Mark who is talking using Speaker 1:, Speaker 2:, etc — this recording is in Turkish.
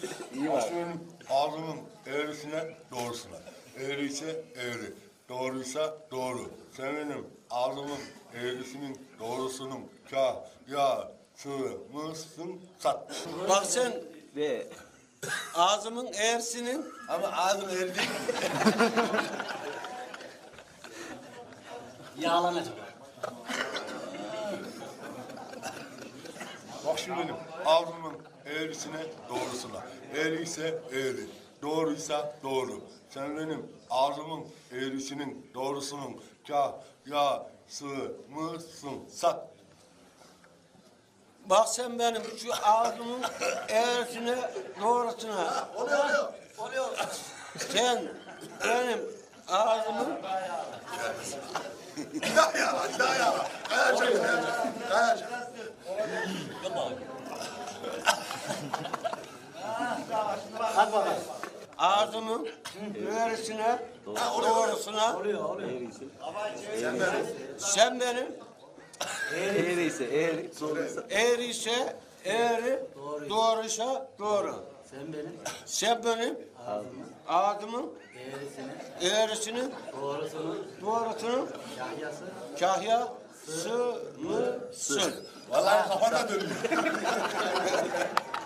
Speaker 1: İyi var.
Speaker 2: Benim ağzımın eğrisine doğrusuna. Eğri ise eğri. Doğruysa doğru. Sen benim ağzımın eğrisinin doğrusunun mısın sat.
Speaker 3: Bak sen
Speaker 1: Ve
Speaker 3: ağzımın eğrisinin
Speaker 2: Ama ağzım eğri değil mi?
Speaker 4: Yağlanacak.
Speaker 2: Bak şimdi benim ağzımın eğrisine doğrusuna. Eğri ise eğri. Doğruysa doğru. Sen benim ağzımın eğrisinin doğrusunun mısın sat.
Speaker 3: bak sen benim şu ağzımın eğrisine doğrusuna.
Speaker 4: Oluyor.
Speaker 3: Sen benim ağzımın
Speaker 2: Daha Kayacak.
Speaker 4: Hadi bakalım.
Speaker 3: ağzımın eğrisine doğrusuna.
Speaker 4: Oluyor.
Speaker 1: eğriyse,
Speaker 3: Sen benim
Speaker 1: eğriyse, eğri, doğruysa.
Speaker 3: eğri ise eğri, doğruysa doğru.
Speaker 4: Sen benim
Speaker 3: Sen benim ağzımın
Speaker 4: eğrisini,
Speaker 3: eğrisinin
Speaker 4: doğrusunu,
Speaker 3: doğrusunu
Speaker 4: yahyası,
Speaker 3: kahyası mısın?
Speaker 2: Vallahi kafana dönüyor.